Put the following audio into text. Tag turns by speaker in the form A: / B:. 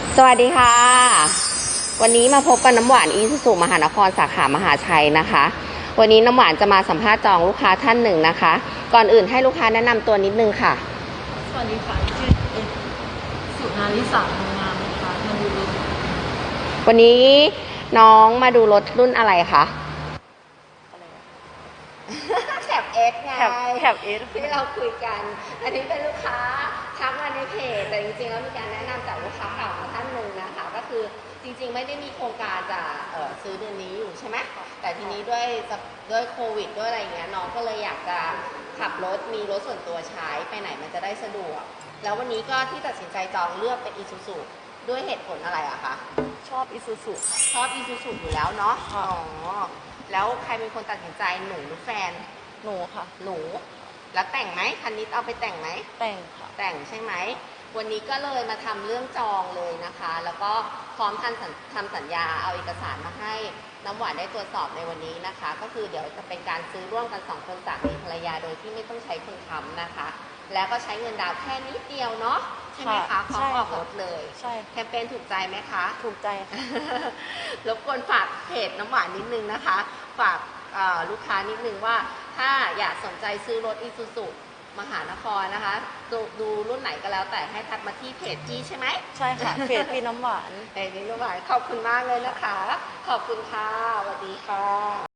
A: สวัสดีค่ะวันนี้มาพบกับน้ำหวานอีซูซูมหานครสาขามหาชัยนะคะวันนี้น้ำหวานจะมาสัมภาษณ์จองลูกค้าท่านหนึ่งนะคะก่อนอื่นให้ลูกค้าแนะนำตัวนิดนึงค่ะ
B: สวัสดีค่ะชื่อสุนาริสางงามนะคะมาดูรถ
A: วันนี้น้องมาดูรถรุ่นอะไรคะแคปเอสไง
B: แคปเอส
A: ที่เราคุยกันอันนี้เป็นลูกค้าทักมาในเพจแต่จริงๆแล้วมีการแนะนำจากลูกค้าเก่ามาท่านหนึ่งนะคะก็คือจริงๆไม่ได้มีโครงการจะซื้อเดือนนี้อยู่ใช่ไหมแต่ทีนี้ด้วยโควิดด้วยอะไรเงี้ยน้องก็เลยอยากจะขับรถมีรถส่วนตัวใช้ไปไหนมันจะได้สะดวกแล้ววันนี้ก็ที่ตัดสินใจจองเลือกเป็นอีซูซูด้วยเหตุผลอะไรอะคะ
B: ชอบอีซูซูค่ะ
A: ชอบอีซูซูอยู่แล้วเนาะอ๋อแล้วใครเป็นคนตัดสินใจหนูหรือแฟน
B: หนูค่ะ
A: หนูแล้วแต่งไหมคันนี้เอาไปแต่งไหม
B: แต่งค่ะ
A: แต่งใช่ไหมวันนี้ก็เลยมาทำเรื่องจองเลยนะคะแล้วก็พร้อมทำสัญญาเอาเอกสารมาให้น้ำหวานได้ตรวจสอบในวันนี้นะคะก็คือเดี๋ยวจะเป็นการซื้อร่วมกัน2 คนสามีภรรยาโดยที่ไม่ต้องใช้คนค้ำนะคะแล้วก็ใช้เงินดาวแค่นิดเดียวเนาะใช่ไหมคะพร้อมออกรถเลย
B: ใช่
A: แคมเปญถูกใจไหมคะ
B: ถูกใจค่ะ
A: รบกวนฝากเพจน้ำหวานนิดนึงนะคะฝากลูกค้านิดนึงว่าถ้าอยากสนใจซื้อรถอีซูซูมหานครนะคะดูรุ่นไหนก็แล้วแต่ให้ทักมาที่เพจพี่ใช่ไหม
B: ใช่ค่ะเพจพี่น้ำหวาน
A: เพจพี่น้ำหวานขอบคุณมากเลยนะคะขอบคุณค่ะสวัสดีค่ะ